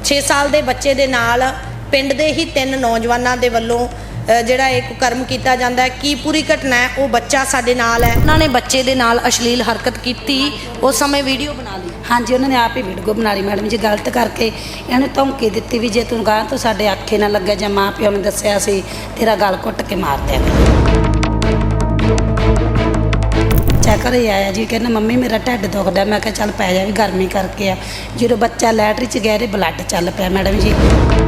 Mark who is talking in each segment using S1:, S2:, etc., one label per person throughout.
S1: 6 ਸਾਲ ਦੇ ਬੱਚੇ ਦੇ ਨਾਲ ਪਿੰਡ ਦੇ ਹੀ 3 ਨੌਜਵਾਨਾਂ ਦੇ ਵੱਲੋਂ ਜਿਹੜਾ ਇਹ ਕੁਕਰਮ ਕੀਤਾ ਜਾਂਦਾ ਹੈ। ਕੀ ਪੂਰੀ ਘਟਨਾ ਹੈ, ਉਹ ਬੱਚਾ ਸਾਡੇ ਨਾਲ ਹੈ। ਉਹਨਾਂ ਨੇ ਬੱਚੇ ਦੇ ਨਾਲ ਅਸ਼ਲੀਲ ਹਰਕਤ ਕੀਤੀ, ਉਸ ਸਮੇਂ ਵੀਡੀਓ ਬਣਾ ਲਈ।
S2: हाँ जी, उन्होंने आप ही वीडियो बना ली मैडम जी। गलत करके इन्होंने धमकी दी भी जे तू गाह तो साडे आखे ना लगे जां माँ प्यो ने दस्सिया सी तेरा गल घुट के मार देंगे। घर ही आया जी, कहना मम्मी मेरा ढिड दुखदा। मैं कहा चल पै जा, भी गर्मी करके आ। जो बच्चा लैटरी च गया ब्लड चल पाया मैडम जी।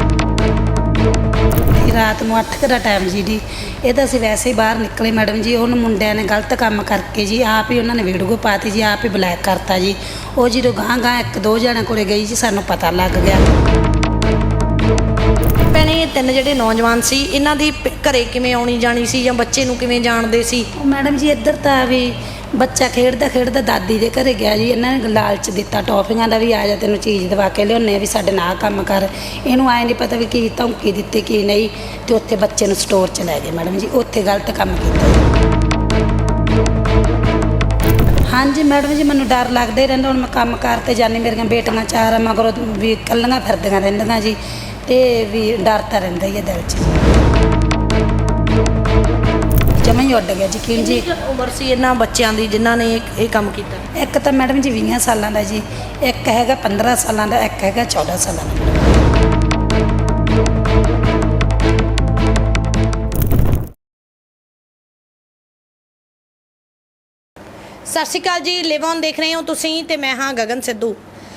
S2: रात में 8 का टाइम जी ये तो असीं वैसे ही बाहर निकले मैडम जी। उन्होंने मुंडिया ने गलत काम करके जी आप ही उन्होंने वीडियो पाती जी, आप ही ब्लैक करता जी। वो जो गांह गांह 1-2 जणिਆਂ कोले गई जी, सानू पता लग गया।
S1: ਭੈਣੇ 3 ਜਿਹੜੇ ਨੌਜਵਾਨ ਸੀ, ਇਹਨਾਂ ਦੀ ਘਰੇ ਕਿਵੇਂ ਆਉਣੀ ਜਾਣੀ ਸੀ ਜਾਂ ਬੱਚੇ ਨੂੰ ਕਿਵੇਂ ਜਾਣਦੇ ਸੀ?
S2: मैडम जी इधर तो भी ਬੱਚਾ ਖੇਡਦਾ ਦਾਦੀ ਦੇ ਘਰੇ ਗਿਆ ਜੀ। ਇਹਨਾਂ ਨੇ ਲਾਲਚ ਦਿੱਤਾ ਟੌਫੀਆਂ ਦਾ ਵੀ, ਆ ਜਾ ਤੈਨੂੰ ਚੀਜ਼ ਦਵਾ ਕੇ ਲਿਆਉਂਦੇ ਆ, ਵੀ ਸਾਡੇ ਨਾਲ ਕੰਮ ਕਰ। ਇਹਨੂੰ ਆਏ ਨਹੀਂ ਪਤਾ ਵੀ ਕੀ ਧਮਕੀ ਦਿੱਤੀ ਕੀ ਨਹੀਂ, ਤੇ ਉੱਥੇ ਬੱਚੇ ਨੂੰ ਸਟੋਰ 'ਚ ਲੈ ਗਏ ਮੈਡਮ ਜੀ। ਉੱਥੇ ਗਲਤ ਕੰਮ ਕੀਤਾ। ਹਾਂਜੀ ਮੈਡਮ ਜੀ, ਮੈਨੂੰ ਡਰ ਲੱਗਦਾ ਹੀ ਰਹਿੰਦਾ। ਹੁਣ ਮੈਂ ਕੰਮ ਕਾਰ ਤੇ ਜਾਂਦੀ, ਮੇਰੀਆਂ ਬੇਟੀਆਂ 4 ਆ ਮਗਰੋਂ ਵੀ ਇਕੱਲੀਆਂ ਫਿਰਦੀਆਂ ਰਹਿੰਦੀਆਂ ਜੀ, ਤੇ ਵੀ ਡਰ ਤਾਂ ਰਹਿੰਦਾ ਹੀ ਹੈ ਦਿਲ 'ਚ ਜੀ। ਜਮਾਂ ਹੀ ਉੱਡ ਗਿਆ ਯਕੀਨ ਜੀ।
S1: ਉਮਰ ਸੀ ਇਹਨਾਂ ਬੱਚਿਆਂ ਦੀ ਜਿਨ੍ਹਾਂ ਨੇ ਇਹ ਕੰਮ ਕੀਤਾ?
S2: ਇੱਕ ਤਾਂ ਮੈਡਮ ਜੀ 20 ਸਾਲਾਂ ਦਾ ਜੀ, ਇੱਕ ਹੈਗਾ 15 ਸਾਲਾਂ ਦਾ, ਇੱਕ ਹੈਗਾ 14 ਸਾਲਾਂ ਦਾ।
S1: ਸਤਿ ਸ਼੍ਰੀ ਅਕਾਲ ਜੀ, ਲਿਵ ਔਨ ਦੇਖ ਰਹੇ ਹੋ ਤੁਸੀਂ ਤੇ ਮੈਂ ਹਾਂ ਗਗਨ ਸਿੱਧੂ।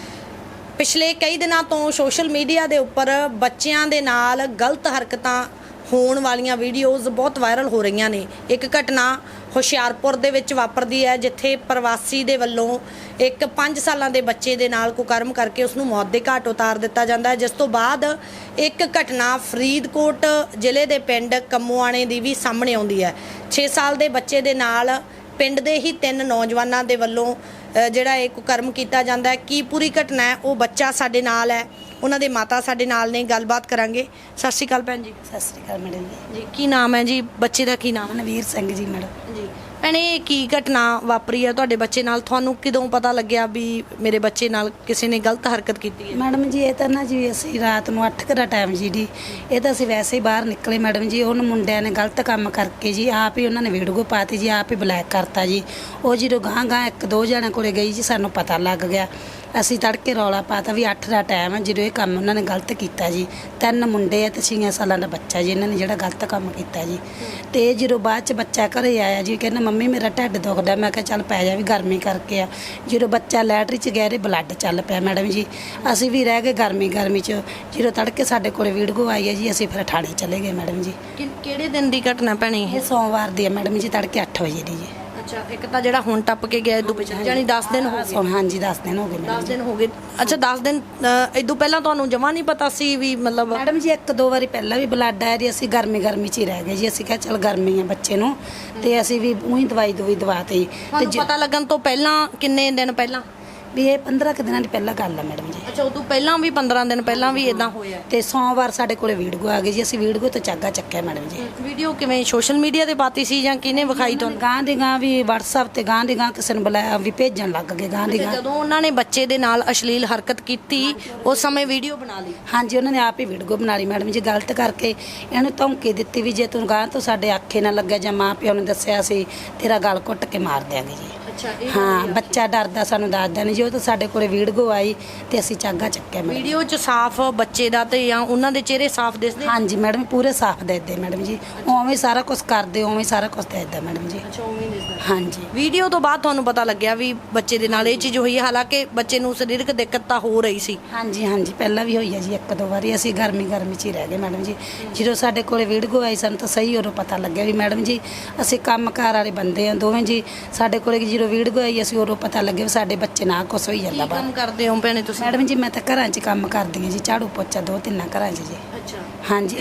S1: ਪਿਛਲੇ ਕਈ ਦਿਨਾਂ ਤੋਂ ਸੋਸ਼ਲ ਮੀਡੀਆ ਦੇ ਉੱਪਰ ਬੱਚਿਆਂ ਦੇ ਨਾਲ ਗਲਤ ਹਰਕਤਾਂ ਹੋਣ ਵਾਲੀਆਂ ਵੀਡੀਓਜ਼ ਬਹੁਤ ਵਾਇਰਲ ਹੋ ਰਹੀਆਂ ਨੇ। ਇੱਕ ਘਟਨਾ ਹੁਸ਼ਿਆਰਪੁਰ ਦੇ ਵਿੱਚ ਵਾਪਰਦੀ ਹੈ, ਜਿੱਥੇ ਪ੍ਰਵਾਸੀ ਦੇ ਵੱਲੋਂ ਇੱਕ 5 ਸਾਲਾਂ ਦੇ ਬੱਚੇ ਦੇ ਨਾਲ ਕੁਕਰਮ ਕਰਕੇ ਉਸ ਨੂੰ ਮੌਤ ਦੇ ਘਾਟ ਉਤਾਰ ਦਿੱਤਾ ਜਾਂਦਾ ਹੈ। ਜਿਸ ਤੋਂ ਬਾਅਦ ਇੱਕ ਘਟਨਾ ਫਰੀਦਕੋਟ ਜ਼ਿਲ੍ਹੇ ਦੇ ਪਿੰਡ ਕੰਮੋਆਣੇ ਦੀ ਵੀ ਸਾਹਮਣੇ ਆਉਂਦੀ ਹੈ। 6 ਸਾਲ ਦੇ ਬੱਚੇ ਦੇ ਨਾਲ ਪਿੰਡ ਦੇ ਹੀ 3 ਨੌਜਵਾਨਾਂ ਦੇ ਵੱਲੋਂ ਜਿਹੜਾ ਇਹ ਕੁਕਰਮ ਕੀਤਾ ਜਾਂਦਾ ਹੈ। ਕੀ ਪੂਰੀ ਘਟਨਾ ਹੈ, ਉਹ ਬੱਚਾ ਸਾਡੇ ਨਾਲ ਹੈ, ਉਹਨਾਂ ਦੇ ਮਾਤਾ ਸਾਡੇ ਨਾਲ ਨੇ, ਗੱਲਬਾਤ ਕਰਾਂਗੇ। ਸਤਿ ਸ਼੍ਰੀ ਅਕਾਲ ਭੈਣ ਜੀ।
S2: ਸਤਿ ਸ਼੍ਰੀ ਅਕਾਲ ਮੈਡਮ
S1: ਜੀ। ਕੀ ਨਾਮ ਹੈ ਜੀ ਬੱਚੇ ਦਾ? ਕੀ ਨਾਮ?
S2: ਮਨਵੀਰ ਸਿੰਘ ਜੀ ਮੈਡਮ
S1: ਜੀ। ਭੈਣੇ ਕੀ ਘਟਨਾ ਵਾਪਰੀ ਹੈ ਤੁਹਾਡੇ ਬੱਚੇ ਨਾਲ? ਤੁਹਾਨੂੰ ਕਿਦੋਂ ਪਤਾ ਲੱਗਿਆ ਵੀ ਮੇਰੇ ਬੱਚੇ ਨਾਲ ਕਿਸੇ ਨੇ ਗਲਤ ਹਰਕਤ ਕੀਤੀ ਹੈ?
S2: ਮੈਡਮ ਜੀ ਇਹ ਤਾਂ ਨਾ ਜੀ ਅਸੀਂ ਰਾਤ ਨੂੰ 8 ਦਾ ਟਾਈਮ ਜੀ ਇਹ ਤਾਂ ਅਸੀਂ ਵੈਸੇ ਹੀ ਬਾਹਰ ਨਿਕਲੇ ਮੈਡਮ ਜੀ। ਉਹਨੂੰ ਮੁੰਡਿਆਂ ਨੇ ਗਲਤ ਕੰਮ ਕਰਕੇ ਜੀ ਆਪ ਹੀ ਉਹਨਾਂ ਨੇ ਵੀਡੀਓ ਪਾਤੀ ਜੀ, ਆਪ ਹੀ ਬਲੈਕ ਕਰਤਾ ਜੀ। ਉਹ ਜਦੋਂ ਗਾਂਹ ਗਾਂਹ 1-2 ਜਣਿਆਂ ਕੋਲੇ ਗਈ ਜੀ, ਸਾਨੂੰ ਪਤਾ ਲੱਗ ਗਿਆ। ਅਸੀਂ ਤੜਕੇ ਰੌਲਾ ਪਾਤਾ ਵੀ 8 ਦਾ ਟਾਈਮ ਹੈ, ਜਦੋਂ ਇਹ ਕੰਮ ਉਹਨਾਂ ਨੇ ਗਲਤ ਕੀਤਾ ਜੀ। 3 ਮੁੰਡੇ ਆ ਤੇ 6 ਸਾਲਾਂ ਦਾ ਬੱਚਾ ਜੀ, ਇਹਨਾਂ ਨੇ ਜਿਹੜਾ ਗਲਤ ਕੰਮ ਕੀਤਾ ਜੀ। ਤੇ ਜਦੋਂ ਬਾਅਦ 'ਚ ਬੱਚਾ ਘਰੇ ਆਇਆ ਜੀ, ਕਹਿੰਦਾ ਮੰਮੀ ਮੇਰਾ ਢਿੱਡ ਦੁਖਦਾ। ਮੈਂ ਕਿਹਾ ਚੱਲ ਪੈ ਜਾ, ਵੀ ਗਰਮੀ ਕਰਕੇ ਆ। ਜਦੋਂ ਬੱਚਾ ਲੈਟਰੀ 'ਚ ਗਿਆ ਬਲੱਡ ਚੱਲ ਪਿਆ ਮੈਡਮ ਜੀ। ਅਸੀਂ ਵੀ ਰਹਿ ਗਏ ਗਰਮੀ 'ਚ। ਜਦੋਂ ਤੜਕੇ ਸਾਡੇ ਕੋਲੇ ਵੀਡੀਓ ਆਈ ਹੈ ਜੀ, ਅਸੀਂ ਫਿਰ ਥਾਣੇ ਚਲੇ ਗਏ ਮੈਡਮ ਜੀ।
S1: ਕਿਹੜੇ ਦਿਨ ਦੀ ਘਟਨਾ ਭੈਣੇ?
S2: ਇਹ ਸੋਮਵਾਰ ਦੀ ਹੈ ਮੈਡਮ ਜੀ, ਤੜਕੇ 8 ਵਜੇ ਦੀ ਜੀ।
S1: ਅੱਛਾ, ਇੱਕ ਤਾਂ ਜਿਹੜਾ ਹੁਣ ਟੱਪ ਕੇ ਗਿਆ ਇਦੋਂ ਪਿੱਛੇ ਜਾਨੀ 10 ਦਿਨ ਹੋ ਗਏ?
S2: ਹਾਂਜੀ 10 ਦਿਨ ਹੋ ਗਏ।
S1: 10 ਦਿਨ ਹੋ ਗਏ। ਅੱਛਾ, 10 ਦਿਨ ਇਦੋਂ ਪਹਿਲਾਂ ਤੁਹਾਨੂੰ ਜਮਾ ਨਹੀਂ ਪਤਾ ਸੀ ਵੀ ਮਤਲਬ?
S2: ਮੈਡਮ ਜੀ 1-2 ਵਾਰੀ ਪਹਿਲਾਂ ਵੀ ਬਲੱਡ ਆਇਆ ਜੀ। ਅਸੀਂ ਗਰਮੀ 'ਚ ਹੀ ਰਹਿ ਗਏ ਜੀ। ਅਸੀਂ ਕਿਹਾ ਚੱਲ ਗਰਮੀ ਆ ਬੱਚੇ ਨੂੰ, ਤੇ ਅਸੀਂ ਵੀ ਉਹੀ ਦਵਾਈ ਦਵਾਤੀ।
S1: ਤੇ ਪਤਾ ਲੱਗਣ ਤੋਂ ਪਹਿਲਾਂ ਕਿੰਨੇ ਦਿਨ ਪਹਿਲਾਂ?
S2: ਵੀ ਇਹ 15 ਕੁ ਦਿਨਾਂ ਦੀ ਪਹਿਲਾਂ ਗੱਲ ਆ ਮੈਡਮ ਜੀ।
S1: ਅੱਛਾ, ਉਦੋਂ ਪਹਿਲਾਂ ਵੀ 15 ਦਿਨ ਪਹਿਲਾਂ ਵੀ ਇਦਾਂ ਹੋਇਆ?
S2: ਤੇ ਸੋਮਵਾਰ ਸਾਡੇ ਕੋਲੇ ਵੀਡੀਓ ਆ ਗਈ ਜੀ। ਅਸੀਂ ਵੀਡੀਓ ਤੋਂ ਚਾਗਾ ਚੱਕਿਆ ਮੈਡਮ ਜੀ।
S1: ਵੀਡੀਓ ਕਿਵੇਂ ਸੋਸ਼ਲ ਮੀਡੀਆ ਤੇ ਪਾਤੀ ਸੀ ਜਾਂ ਕਿਹਨੇ ਵਿਖਾਈ ਤੁਹਾਨੂੰ?
S2: ਗਾਂ ਦੀ ਗਾਂ ਵੀ WhatsApp ਤੇ ਗਾਂ ਦੀ ਗਾਂ ਕਿਸੇ ਨੂੰ ਬੁਲਾਇਆ ਵੀ ਭੇਜਣ ਲੱਗ ਗਏ ਗਾਂ ਦੀ ਗਾਂ।
S1: ਜਦੋਂ ਉਹਨਾਂ ਨੇ ਬੱਚੇ ਦੇ ਨਾਲ ਅਸ਼ਲੀਲ ਹਰਕਤ ਕੀਤੀ ਉਸ ਸਮੇਂ ਵੀਡੀਓ ਬਣਾ ਲਈ?
S2: ਹਾਂਜੀ, ਉਹਨਾਂ ਨੇ ਆਪ ਹੀ ਵੀਡੀਓ ਬਣਾ ਲਈ ਮੈਡਮ ਜੀ। ਗਲਤ ਕਰਕੇ ਇਹਨੂੰ ਧਮਕੀ ਦਿੱਤੀ ਵੀ ਜੇ ਤੂੰ ਗਾਂ ਤੋਂ ਸਾਡੇ ਆਖੇ ਨਾ ਲੱਗਿਆ ਜਾਂ ਮਾਂ ਪਿਓ ਨੇ ਦੱਸਿਆ ਸੀ ਤੇਰਾ ਗਲ ਘੁੱਟ ਕੇ ਮਾਰ ਦਿਆਂਗੇ ਜੀ। ਹਾਂ, ਬੱਚਾ ਡਰਦਾ ਸਾਨੂੰ ਦੱਸਦਾ ਨਹੀਂ ਜੀ। ਉਹ ਤਾਂ ਸਾਡੇ ਕੋਲੇ ਵੀਡੀਓ ਆਈ ਤੇ ਅਸੀਂ ਚਾਗਾ ਚੱਕਿਆ।
S1: ਵੀਡੀਓ 'ਚ ਸਾਫ਼ ਬੱਚੇ ਦਾ ਤੇ ਜਾਂ ਉਹਨਾਂ ਦੇ ਚਿਹਰੇ ਸਾਫ਼ ਦਿਸਦੇ?
S2: ਹਾਂਜੀ ਮੈਡਮ, ਪੂਰੇ ਸਾਫ਼ ਦਿਸਦੇ ਮੈਡਮ ਜੀ। ਉਵੇਂ ਸਾਰਾ ਕੁਝ ਕਰਦੇ, ਉਵੇਂ ਸਾਰਾ ਕੁਝ ਦਿਸਦਾ ਮੈਡਮ ਜੀ।
S1: ਅੱਛਾ, ਉਵੇਂ ਦਿਸਦਾ।
S2: ਹਾਂਜੀ।
S1: ਵੀਡੀਓ ਤੋਂ ਬਾਅਦ ਤੁਹਾਨੂੰ ਪਤਾ ਲੱਗਿਆ ਵੀ ਬੱਚੇ ਦੇ ਨਾਲ ਇਹ ਚੀਜ਼ ਹੋਈ ਹੈ? ਹਾਲਾਂਕਿ ਬੱਚੇ ਨੂੰ ਸਰੀਰਕ ਦਿੱਕਤ ਤਾਂ ਹੋ ਰਹੀ ਸੀ।
S2: ਹਾਂਜੀ ਪਹਿਲਾਂ ਵੀ ਹੋਈ ਹੈ ਜੀ 1-2 ਵਾਰੀ। ਅਸੀਂ ਗਰਮੀ 'ਚ ਹੀ ਰਹਿ ਗਏ ਮੈਡਮ ਜੀ। ਜਦੋਂ ਸਾਡੇ ਕੋਲੇ ਵੀਡੀਓ ਆਈ ਸਾਨੂੰ ਤਾਂ ਸਹੀ ਉਦੋਂ ਪਤਾ ਲੱਗਿਆ ਵੀ ਮੈਡਮ ਜੀ ਅਸੀਂ ਕੰਮਕਾਰ ਵਾਲੇ ਬੰਦੇ ਆ ਦੋਵੇਂ ਜੀ। ਸਾਡੇ ਕੋਲੇ ਜਦੋਂ ਵੀਡੀਓ ਆਈ ਅਸੀਂ ਉਦੋਂ ਪਤਾ ਲੱਗਿਆ ਵੀ ਸਾਡੇ ਬੱਚੇ ਨਾਲ ਕੁਛ ਹੋਈ ਜਾਂਦਾ।
S1: ਕੰਮ ਕਰਦੇ ਹੋ ਭੈਣੇ ਤੁਸੀਂ?
S2: ਮੈਡਮ ਜੀ ਮੈਂ ਤਾਂ ਘਰਾਂ 'ਚ ਕੰਮ ਕਰਦੀ ਹਾਂ ਜੀ, ਝਾੜੂ ਪੋਚਾ 2-3 ਘਰਾਂ 'ਚ ਜੀ।
S1: ਅੱਛਾ।
S2: ਹਾਂਜੀ,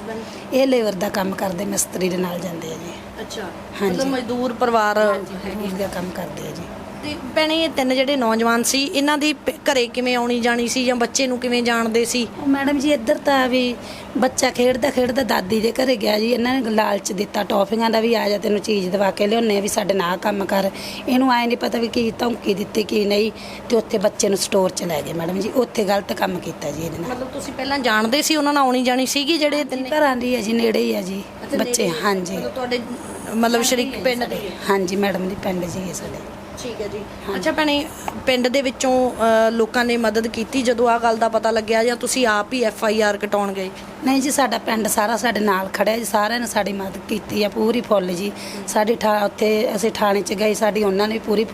S2: ਇਹ ਲੇਬਰ ਦਾ ਕੰਮ ਕਰਦੇ, ਮਿਸਤਰੀ ਦੇ ਨਾਲ ਜਾਂਦੇ ਆ ਜੀ।
S1: ਅੱਛਾ,
S2: ਹਾਂਜੀ,
S1: ਮਜ਼ਦੂਰ ਪਰਿਵਾਰ
S2: ਦਾ ਕੰਮ ਕਰਦੇ ਆ ਜੀ।
S1: ਤੇ ਭੈਣੇ ਇਹ ਤਿੰਨ ਜਿਹੜੇ ਨੌਜਵਾਨ ਸੀ ਇਹਨਾਂ ਦੀ ਘਰੇ ਕਿਵੇਂ ਆਉਣੀ ਜਾਣੀ ਸੀ ਜਾਂ ਬੱਚੇ ਨੂੰ ਕਿਵੇਂ ਜਾਣਦੇ ਸੀ?
S2: ਉਹ ਮੈਡਮ ਜੀ ਇੱਧਰ ਤਾਂ ਵੀ ਬੱਚਾ ਖੇਡਦਾ ਦਾਦੀ ਦੇ ਘਰੇ ਗਿਆ ਜੀ, ਇਹਨਾਂ ਨੇ ਲਾਲਚ ਦਿੱਤਾ ਟੌਫੀਆਂ ਦਾ ਵੀ, ਆ ਜਾ ਤੈਨੂੰ ਚੀਜ਼ ਦਵਾ ਕੇ ਲਿਆਉਂਦੇ ਵੀ ਸਾਡੇ ਨਾਲ ਕੰਮ ਕਰ। ਇਹਨੂੰ ਆਏ ਨਹੀਂ ਪਤਾ ਵੀ ਕੀ ਧਮਕੀ ਦਿੱਤੀ ਕੀ ਨਹੀਂ, ਤੇ ਉੱਥੇ ਬੱਚੇ ਨੂੰ ਸਟੋਰ 'ਚ ਲੈ ਗਏ ਮੈਡਮ ਜੀ, ਉੱਥੇ ਗਲਤ ਕੰਮ ਕੀਤਾ ਜੀ ਇਹਦੇ ਨਾਲ।
S1: ਮਤਲਬ ਤੁਸੀਂ ਪਹਿਲਾਂ ਜਾਣਦੇ ਸੀ ਉਹਨਾਂ ਨਾਲ ਆਉਣੀ ਜਾਣੀ ਸੀਗੀ ਜਿਹੜੇ ਤਿੰਨੇ?
S2: ਘਰਾਂ ਦੀ ਹੈ ਜੀ, ਨੇੜੇ ਹੀ ਹੈ ਜੀ ਬੱਚੇ। ਹਾਂਜੀ
S1: ਮਤਲਬ ਤੁਹਾਡੇ ਮਤਲਬ ਸ਼ਰੀਕ ਪਿੰਡ ਦੇ?
S2: ਹਾਂਜੀ ਮੈਡਮ ਜੀ, ਪਿੰਡ ਜੀ ਸਾਡੇ।
S1: ਠੀਕ ਹੈ ਜੀ। ਅੱਛਾ ਭੈਣੇ, ਪਿੰਡ ਦੇ ਵਿੱਚੋਂ ਲੋਕਾਂ ਨੇ ਮਦਦ ਕੀਤੀ ਜਦੋਂ ਆਹ ਗੱਲ ਦਾ ਪਤਾ ਲੱਗਿਆ, ਜਾਂ ਤੁਸੀਂ ਆਪ ਹੀ FIR ਕਟਾਉਣ ਗਏ?
S2: ਨਹੀਂ ਜੀ, ਸਾਡਾ ਪਿੰਡ ਸਾਰਾ ਸਾਡੇ ਨਾਲ ਖੜਿਆ ਜੀ, ਸਾਰਿਆਂ ਨੇ ਸਾਡੀ ਮਦਦ ਕੀਤੀ ਆ ਪੂਰੀ ਫੁੱਲ ਜੀ। ਸਾਡੀ ਉੱਥੇ ਅਸੀਂ ਥਾਣੇ 'ਚ ਗਏ, ਸਾਡੀ ਉਹਨਾਂ ਨੇ ਪੂਰੀ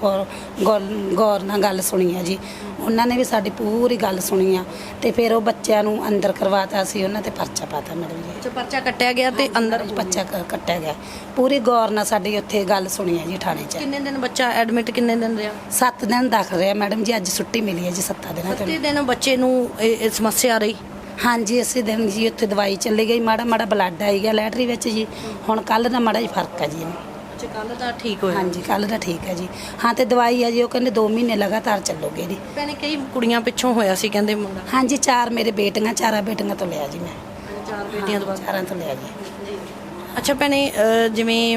S2: ਗੌਰ ਨਾਲ ਗੱਲ ਸੁਣੀ ਆ ਜੀ, ਉਹਨਾਂ ਨੇ ਵੀ ਸਾਡੀ ਪੂਰੀ ਗੱਲ ਸੁਣੀ ਆ, ਤੇ ਫਿਰ ਉਹ ਬੱਚਿਆਂ ਨੂੰ ਅੰਦਰ ਕਰਵਾਤਾ ਸੀ, ਉਹਨਾਂ ਤੇ ਪਰਚਾ ਪਾਤਾ ਮੈਡਮ ਜੀ।
S1: ਅੱਛਾ, ਪਰਚਾ ਕੱਟਿਆ ਗਿਆ ਤੇ ਅੰਦਰ
S2: ਬੱਚਾ ਕੱਟਿਆ ਗਿਆ, ਪੂਰੀ ਗੌਰ ਨਾਲ ਸਾਡੀ ਉੱਥੇ ਗੱਲ ਸੁਣੀ ਆ ਜੀ ਥਾਣੇ 'ਚ।
S1: ਕਿੰਨੇ ਦਿਨ ਬੱਚਾ ਐਡਮਿਟ, ਕਿੰਨੇ ਦਿਨ ਰਿਹਾ?
S2: 7 ਦਿਨ ਦਾਖਲ ਰਿਹਾ ਮੈਡਮ ਜੀ, ਅੱਜ ਛੁੱਟੀ ਮਿਲੀ ਹੈ ਜੀ 7 ਦਿਨਾਂ ਤੋਂ।
S1: 7 ਦਿਨ ਬੱਚੇ ਨੂੰ ਇਹ ਸਮੱਸਿਆ ਰਹੀ?
S2: ਹਾਂਜੀ, ਇਸੇ ਦਿਨ ਜੀ ਉੱਥੇ ਦਵਾਈ ਚੱਲੀ ਗਈ, ਮਾੜਾ ਬਲੱਡ ਆਈ ਗਿਆ ਲੈਟਰੀ ਵਿੱਚ ਜੀ, ਹੁਣ ਕੱਲ੍ਹ ਦਾ ਮਾੜਾ ਜਿਹਾ ਫਰਕ ਹੈ ਜੀ ਇਹਨੂੰ।
S1: ਅੱਛਾ, ਕੱਲ੍ਹ ਦਾ ਠੀਕ ਹੋਇਆ?
S2: ਹਾਂਜੀ, ਕੱਲ੍ਹ ਦਾ ਠੀਕ ਹੈ ਜੀ। ਹਾਂ, ਤੇ ਦਵਾਈ ਹੈ ਜੀ, ਉਹ ਕਹਿੰਦੇ 2 ਮਹੀਨੇ ਲਗਾਤਾਰ ਚੱਲੋਗੇ ਜੀ।
S1: ਭੈਣੇ ਕਈ ਕੁੜੀਆਂ ਪਿੱਛੋਂ ਹੋਇਆ ਸੀ ਕਹਿੰਦੇ ਮੁੰਡਾ?
S2: ਹਾਂਜੀ, 4 ਮੇਰੇ ਬੇਟੀਆਂ, 4 ਬੇਟੀਆਂ ਤੋਂ ਲਿਆ ਜੀ ਮੈਂ।
S1: 4 ਬੇਟੀਆਂ ਤੋਂ ਬਾਅਦ?
S2: 4 ਤੋਂ ਲਿਆ ਜੀ।
S1: ਅੱਛਾ ਭੈਣੇ, ਜਿਵੇਂ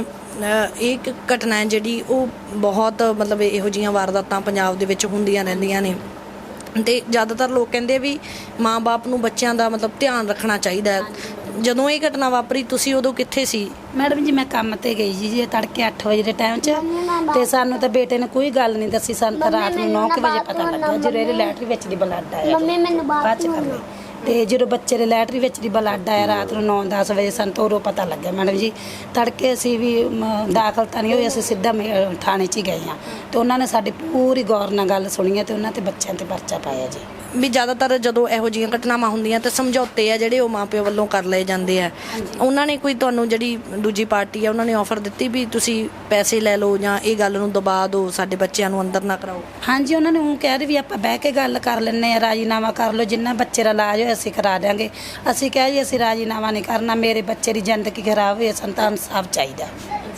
S1: ਇੱਕ ਘਟਨਾ ਹੈ ਜਿਹੜੀ ਉਹ ਬਹੁਤ ਮਤਲਬ ਇਹੋ ਜਿਹੀਆਂ ਵਾਰਦਾਤਾਂ ਪੰਜਾਬ ਦੇ ਵਿੱਚ ਹੁੰਦੀਆਂ ਰਹਿੰਦੀਆਂ ਨੇ, ਤੇ ਜ਼ਿਆਦਾਤਰ ਲੋਕ ਕਹਿੰਦੇ ਵੀ ਮਾਂ-ਬਾਪ ਨੂੰ ਬੱਚਿਆਂ ਦਾ ਮਤਲਬ ਧਿਆਨ ਰੱਖਣਾ ਚਾਹੀਦਾ ਹੈ। ਜਦੋਂ ਇਹ ਘਟਨਾ ਵਾਪਰੀ ਤੁਸੀਂ ਉਦੋਂ ਕਿੱਥੇ ਸੀ?
S2: ਮੈਡਮ ਜੀ, ਮੈਂ ਕੰਮ ਤੇ ਗਈ ਜੀ ਤੜਕੇ 8 ਵਜੇ ਦੇ ਟਾਈਮ 'ਚ, ਤੇ ਸਾਨੂੰ ਤਾਂ ਬੇਟੇ ਨੇ ਕੋਈ ਗੱਲ ਨਹੀਂ ਦੱਸੀ, ਸਾਨੂੰ ਤਾਂ ਰਾਤ ਨੂੰ 9 ਵਜੇ ਪਤਾ ਲੱਗਾ ਜਦੋਂ ਇਹਦੇ ਲੈਟਰੀ ਵਿੱਚ ਦੀ ਬਲੱਡ ਆਇਆ। ਬਾਅਦ 'ਚ ਕਰ ਲਈ, ਤੇ ਜਦੋਂ ਬੱਚੇ ਦੇ ਲੈਟਰੀ ਵਿੱਚ ਦੀ ਬਲੱਡ ਆਇਆ ਰਾਤ ਨੂੰ 9-10 ਵਜੇ, ਸਾਨੂੰ ਤਾਂ ਉਦੋਂ ਪਤਾ ਲੱਗਿਆ ਮੈਡਮ ਜੀ। ਤੜਕੇ ਅਸੀਂ ਵੀ ਦਾਖਲ ਤਾਂ ਨਹੀਂ ਹੋਏ, ਅਸੀਂ ਸਿੱਧਾ ਥਾਣੇ 'ਚ ਹੀ ਗਏ ਹਾਂ, ਤੇ ਉਹਨਾਂ ਨੇ ਸਾਡੀ ਪੂਰੀ ਗੌਰ ਨਾਲ ਗੱਲ ਸੁਣੀ ਹੈ, ਤੇ ਉਹਨਾਂ ਤੇ ਬੱਚਿਆਂ ਤੇ ਪਰਚਾ ਪਾਇਆ ਜੀ।
S1: ਵੀ ਜ਼ਿਆਦਾਤਰ ਜਦੋਂ ਇਹੋ ਜਿਹੀਆਂ ਘਟਨਾਵਾਂ ਹੁੰਦੀਆਂ ਤੇ ਸਮਝੌਤੇ ਆ ਜਿਹੜੇ ਉਹ ਮਾਪਿਆਂ ਵੱਲੋਂ ਕਰ ਲਏ ਜਾਂਦੇ ਆ। ਉਹਨਾਂ ਨੇ ਕੋਈ ਤੁਹਾਨੂੰ ਜਿਹੜੀ ਦੂਜੀ ਪਾਰਟੀ ਆ ਉਹਨਾਂ ਨੇ ਆਫਰ ਦਿੱਤੀ ਵੀ ਤੁਸੀਂ ਪੈਸੇ ਲੈ ਲਓ ਜਾਂ ਇਹ ਗੱਲ ਨੂੰ ਦਬਾ ਦਿਓ, ਸਾਡੇ ਬੱਚਿਆਂ ਨੂੰ ਅੰਦਰ ਨਾ ਕਰਾਓ?
S2: ਹਾਂਜੀ, ਉਹਨਾਂ ਨੇ ਉਹ ਕਹਿ ਰਹੇ ਵੀ ਆਪਾਂ ਬਹਿ ਕੇ ਗੱਲ ਕਰ ਲੈਂਦੇ ਆ, ਰਾਜੀਨਾਮਾ ਕਰ ਲਓ, ਜਿੰਨਾ ਬੱਚੇ ਦਾ ਇਲਾਜ ਹੋਇਆ ਅਸੀਂ ਕਰਾ ਦਿਆਂਗੇ। ਅਸੀਂ ਕਿਹਾ ਜੀ ਅਸੀਂ ਰਾਜੀਨਾਮਾ ਨਹੀਂ ਕਰਨਾ, ਮੇਰੇ ਬੱਚੇ ਦੀ ਜ਼ਿੰਦਗੀ ਖਰਾਬ ਹੋਈ, ਸਾਨੂੰ ਤਾਂ ਇਨਸਾਫ ਚਾਹੀਦਾ।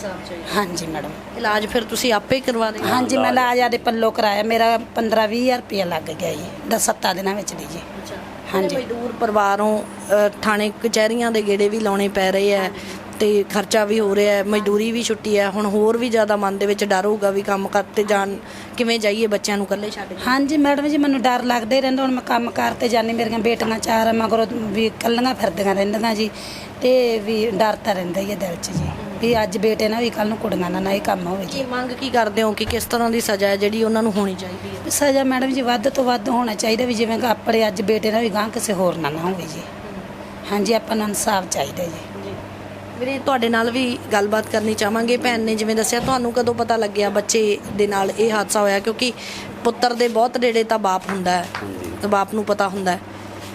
S2: ਹਾਂਜੀ ਮੈਡਮ।
S1: ਇਲਾਜ ਫਿਰ ਤੁਸੀਂ ਆਪੇ ਕਰਵਾ ਦੇ?
S2: ਹਾਂਜੀ, ਮੈਂ ਇਲਾਜ ਆਦੇ ਪੱਲੋਂ ਕਰਾਇਆ, ਮੇਰਾ 15-20 ਰੁਪਇਆ ਲੱਗ ਗਿਆ ਜੀ 7 ਦਿਨਾਂ ਵਿੱਚ ਦੀ ਜੀ। ਹਾਂਜੀ।
S1: ਮਜ਼ਦੂਰ ਪਰਿਵਾਰੋਂ ਥਾਣੇ ਕਚਹਿਰੀਆਂ ਦੇ ਗੇੜੇ ਵੀ ਲਾਉਣੇ ਪੈ ਰਹੇ ਆ, ਤੇ ਖਰਚਾ ਵੀ ਹੋ ਰਿਹਾ ਹੈ, ਮਜ਼ਦੂਰੀ ਵੀ ਛੁੱਟੀ ਹੈ, ਹੁਣ ਹੋਰ ਵੀ ਜ਼ਿਆਦਾ ਮਨ ਦੇ ਵਿੱਚ ਡਰ ਹੋਊਗਾ ਵੀ ਕੰਮ ਕਰਤੇ ਜਾਣ, ਕਿਵੇਂ ਜਾਈਏ ਬੱਚਿਆਂ ਨੂੰ ਇਕੱਲੇ ਛੱਡ ਕੇ?
S2: ਹਾਂਜੀ ਮੈਡਮ ਜੀ, ਮੈਨੂੰ ਡਰ ਲੱਗਦਾ ਹੀ ਰਹਿੰਦਾ, ਹੁਣ ਮੈਂ ਕੰਮ ਕਰਤੇ ਜਾਂਦੀ, ਮੇਰੀਆਂ ਬੇਟੀਆਂ 4 ਮਗਰੋਂ ਵੀ ਇਕੱਲੀਆਂ ਫਿਰਦੀਆਂ ਰਹਿੰਦੀਆਂ ਜੀ, ਤੇ ਵੀ ਡਰ ਤਾਂ ਰਹਿੰਦਾ ਹੀ ਹੈ ਦਿਲ 'ਚ ਜੀ, ਵੀ ਅੱਜ ਬੇਟੇ ਨਾਲ ਵੀ ਕੱਲ ਨੂੰ ਕੁੜੀਆਂ ਨਾਲ ਇਹ ਕੰਮ ਹੋਵੇ ਜੀ।
S1: ਕੀ ਮੰਗ ਕੀ ਕਰਦੇ ਹੋ ਕਿ ਕਿਸ ਤਰ੍ਹਾਂ ਦੀ ਸਜ਼ਾ ਹੈ ਜਿਹੜੀ ਉਹਨਾਂ ਨੂੰ ਹੋਣੀ ਚਾਹੀਦੀ ਹੈ?
S2: ਸਜ਼ਾ ਮੈਡਮ ਜੀ ਵੱਧ ਤੋਂ ਵੱਧ ਹੋਣਾ ਚਾਹੀਦਾ, ਵੀ ਜਿਵੇਂ ਕਿ ਆਪਣੇ ਅੱਜ ਬੇਟੇ ਨਾਲ ਵੀ ਗਾਂ ਕਿਸੇ ਹੋਰ ਨਾਲ ਨਾ ਹੋਵੇ ਜੀ। ਹਾਂਜੀ, ਆਪਾਂ ਨੂੰ ਇਨਸਾਫ ਚਾਹੀਦਾ ਜੀ।
S1: ਵੀਰੇ, ਤੁਹਾਡੇ ਨਾਲ ਵੀ ਗੱਲਬਾਤ ਕਰਨੀ ਚਾਹਾਂਗੇ। ਭੈਣ ਨੇ ਜਿਵੇਂ ਦੱਸਿਆ, ਤੁਹਾਨੂੰ ਕਦੋਂ ਪਤਾ ਲੱਗਿਆ ਬੱਚੇ ਦੇ ਨਾਲ ਇਹ ਹਾਦਸਾ ਹੋਇਆ? ਕਿਉਂਕਿ ਪੁੱਤਰ ਦੇ ਬਹੁਤ ਨੇੜੇ ਤਾਂ ਬਾਪ ਹੁੰਦਾ ਹੈ, ਤੇ ਬਾਪ ਨੂੰ ਪਤਾ ਹੁੰਦਾ ਹੈ।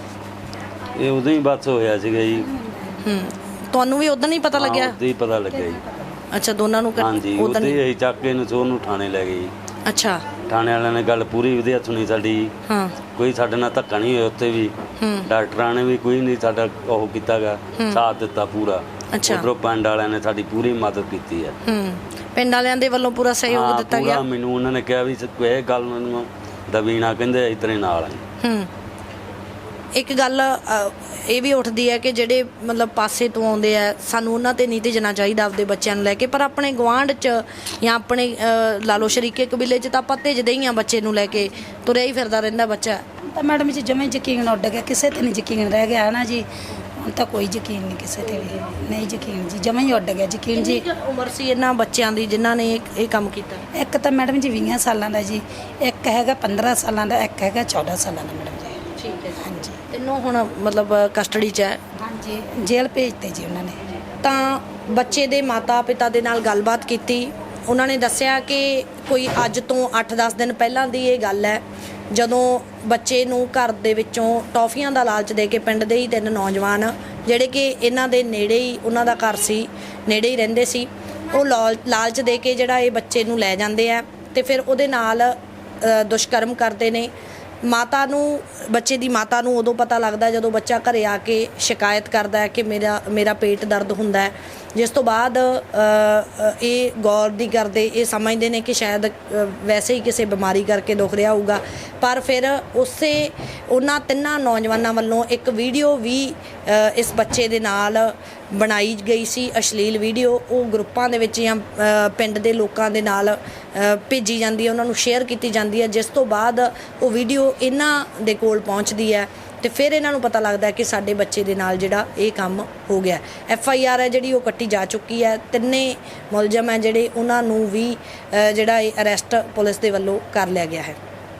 S3: ਇਹ ਉਦੋਂ ਹੀ ਬਸ ਹੋਇਆ ਸੀਗਾ ਜੀ।
S1: ਤੁਹਾਨੂੰ ਵੀ ਉਦੋਂ ਹੀ ਪਤਾ ਲੱਗਿਆ?
S3: ਉਦੋਂ ਹੀ ਪਤਾ ਲੱਗਿਆ ਜੀ।
S1: ਅੱਛਾ, ਦੋਨਾਂ ਨੂੰ?
S3: ਹਾਂਜੀ, ਉਦੋਂ ਹੀ ਅਸੀਂ ਚੱਕ ਕੇ ਨੂੰ ਥਾਣੇ ਲੈ ਗਏ ਜੀ।
S1: ਅੱਛਾ।
S3: ਥਾਣੇ ਵਾਲਿਆਂ ਨੇ ਗੱਲ ਪੂਰੀ ਵਧੀਆ ਸੁਣੀ ਸਾਡੀ।
S1: ਹਾਂ।
S3: ਕੋਈ ਸਾਡੇ ਨਾਲ ਧੱਕਾ ਨਹੀਂ ਹੋਇਆ ਉੱਥੇ ਵੀ, ਡਾਕਟਰਾਂ ਨੇ ਵੀ ਕੋਈ ਨਹੀਂ ਸਾਡਾ ਉਹ ਕੀਤਾਗਾ, ਸਾਥ ਦਿੱਤਾ ਪੂਰਾ।
S1: ਅੱਛਾ।
S3: ਉਧਰੋਂ ਪਿੰਡ ਵਾਲਿਆਂ ਨੇ ਸਾਡੀ ਪੂਰੀ ਮਦਦ ਕੀਤੀ ਹੈ।
S1: ਪਿੰਡ ਵਾਲਿਆਂ ਦੇ ਵੱਲੋਂ ਪੂਰਾ ਸਹਿਯੋਗ ਦਿੱਤਾ ਗਿਆ?
S3: ਮੈਨੂੰ ਉਹਨਾਂ ਨੇ ਕਿਹਾ ਵੀ ਇਹ ਗੱਲ ਨੂੰ ਦਬੀਣਾ, ਕਹਿੰਦੇ ਅਸੀਂ ਤੇਰੇ ਨਾਲ ਆਂ।
S1: ਇੱਕ ਗੱਲ ਇਹ ਵੀ ਉੱਠਦੀ ਹੈ ਕਿ ਜਿਹੜੇ ਮਤਲਬ ਪਾਸੇ ਤੋਂ ਆਉਂਦੇ ਆ, ਸਾਨੂੰ ਉਹਨਾਂ ਤੇ ਨਹੀਂ ਭੇਜਣਾ ਚਾਹੀਦਾ ਆਪਦੇ ਬੱਚਿਆਂ ਨੂੰ ਲੈ ਕੇ, ਪਰ ਆਪਣੇ ਗੁਆਂਢ 'ਚ ਜਾਂ ਆਪਣੇ ਲਾ ਲਓ ਸ਼ਰੀਕੇ ਕਬੀਲੇ 'ਚ ਤਾਂ ਆਪਾਂ ਭੇਜਦੇ ਹੀ ਆ ਬੱਚੇ ਨੂੰ ਲੈ ਕੇ, ਤੁਰਿਆ ਹੀ ਫਿਰਦਾ ਰਹਿੰਦਾ ਬੱਚਾ।
S2: ਤਾਂ ਮੈਡਮ ਜੀ ਜਮੇ ਯਕੀਨ ਉੱਡ ਗਿਆ, ਕਿਸੇ ਤੇ ਨਹੀਂ ਯਕੀਨ ਰਹਿ ਗਿਆ ਨਾ ਜੀ, ਹੁਣ ਤਾਂ ਕੋਈ ਯਕੀਨ ਨਹੀਂ ਕਿਸੇ ਤੇ ਵੀ, ਨਹੀਂ ਯਕੀਨ ਜੀ, ਜਮੇ ਹੀ ਉੱਡ ਗਿਆ ਯਕੀਨ ਜੀ।
S1: ਉਮਰ ਸੀ ਇਹਨਾਂ ਬੱਚਿਆਂ ਦੀ ਜਿਨ੍ਹਾਂ ਨੇ ਇਹ ਕੰਮ ਕੀਤਾ?
S2: ਇੱਕ ਤਾਂ ਮੈਡਮ ਜੀ 20 ਸਾਲਾਂ ਦਾ ਜੀ, ਇੱਕ ਹੈਗਾ 15 ਸਾਲਾਂ ਦਾ, ਇੱਕ ਹੈਗਾ 14 ਸਾਲਾਂ ਦਾ ਮੈਡਮ ਜੀ।
S1: ਠੀਕ ਹੈ।
S2: ਹਾਂਜੀ।
S1: ਤਿੰਨੋਂ ਹੁਣ ਮਤਲਬ ਕਸਟਡੀ 'ਚ ਹੈ?
S2: ਹਾਂਜੀ, ਜੇਲ੍ਹ ਭੇਜਤੇ ਜੀ ਉਹਨਾਂ ਨੇ।
S1: ਤਾਂ ਬੱਚੇ ਦੇ ਮਾਤਾ ਪਿਤਾ ਦੇ ਨਾਲ ਗੱਲਬਾਤ ਕੀਤੀ, ਉਹਨਾਂ ਨੇ ਦੱਸਿਆ ਕਿ ਕੋਈ ਅੱਜ ਤੋਂ 8-10 ਦਿਨ ਪਹਿਲਾਂ ਦੀ ਇਹ ਗੱਲ ਹੈ, ਜਦੋਂ ਬੱਚੇ ਨੂੰ ਘਰ ਦੇ ਵਿੱਚੋਂ ਟੌਫੀਆਂ ਦਾ ਲਾਲਚ ਦੇ ਕੇ ਪਿੰਡ ਦੇ ਹੀ 3 ਨੌਜਵਾਨ ਜਿਹੜੇ ਕਿ ਇਹਨਾਂ ਦੇ ਨੇੜੇ ਹੀ ਉਹਨਾਂ ਦਾ ਘਰ ਸੀ, ਨੇੜੇ ਹੀ ਰਹਿੰਦੇ ਸੀ, ਉਹ ਲਾਲਚ ਦੇ ਕੇ ਜਿਹੜਾ ਇਹ ਬੱਚੇ ਨੂੰ ਲੈ ਜਾਂਦੇ ਆ, ਤੇ ਫਿਰ ਉਹਦੇ ਨਾਲ ਦੁਸ਼ਕਰਮ ਕਰਦੇ ਨੇ, ਮਾਤਾ ਨੂੰ ਬੱਚੇ ਦੀ ਮਾਤਾ ਨੂੰ ਉਦੋਂ ਪਤਾ ਲੱਗਦਾ ਜਦੋਂ ਬੱਚਾ ਘਰੇ ਆ ਕੇ ਸ਼ਿਕਾਇਤ ਕਰਦਾ ਹੈ ਕਿ ਮੇਰਾ ਪੇਟ ਦਰਦ ਹੁੰਦਾ ਹੈ, ਜਿਸ ਤੋਂ ਬਾਅਦ ਇਹ ਗੌਰ ਨਹੀਂ ਕਰਦੇ, ਇਹ ਸਮਝਦੇ ਨੇ ਕਿ ਸ਼ਾਇਦ ਵੈਸੇ ਹੀ ਕਿਸੇ ਬਿਮਾਰੀ ਕਰਕੇ ਦੁਖ ਰਿਹਾ ਹੋਊਗਾ। ਪਰ ਫਿਰ ਉਹਨਾਂ ਤਿੰਨਾਂ ਨੌਜਵਾਨਾਂ ਵੱਲੋਂ ਇੱਕ ਵੀਡੀਓ ਵੀ ਇਸ ਬੱਚੇ ਦੇ ਨਾਲ ਬਣਾਈ ਗਈ ਸੀ, ਅਸ਼ਲੀਲ ਵੀਡੀਓ। ਉਹ ਗਰੁੱਪਾਂ ਦੇ ਵਿੱਚ ਜਾਂ ਪਿੰਡ ਦੇ ਲੋਕਾਂ ਦੇ ਨਾਲ ਭੇਜੀ ਜਾਂਦੀ ਹੈ, ਉਹਨਾਂ ਨੂੰ ਸ਼ੇਅਰ ਕੀਤੀ ਜਾਂਦੀ ਹੈ, ਜਿਸ ਤੋਂ ਬਾਅਦ ਉਹ ਵੀਡੀਓ ਇਹਨਾਂ ਦੇ ਕੋਲ ਪਹੁੰਚਦੀ ਹੈ ਤੇ ਫਿਰ ਇਹਨਾਂ ਨੂੰ ਪਤਾ ਲੱਗਦਾ ਹੈ ਕਿ ਸਾਡੇ ਬੱਚੇ ਦੇ ਨਾਲ ਜਿਹੜਾ ਇਹ ਕੰਮ ਹੋ ਗਿਆ। FIR ਹੈ ਜਿਹੜੀ ਉਹ ਕੱਟੀ ਜਾ ਚੁੱਕੀ ਹੈ। ਤਿੰਨੇ ਮੁਲਜ਼ਮ ਹੈ ਜਿਹੜੇ ਉਹਨਾਂ ਨੂੰ ਵੀ ਜਿਹੜਾ ਇਹ ਅਰੈਸਟ ਪੁਲਿਸ ਦੇ ਵੱਲੋਂ ਕਰ ਲਿਆ ਗਿਆ ਹੈ।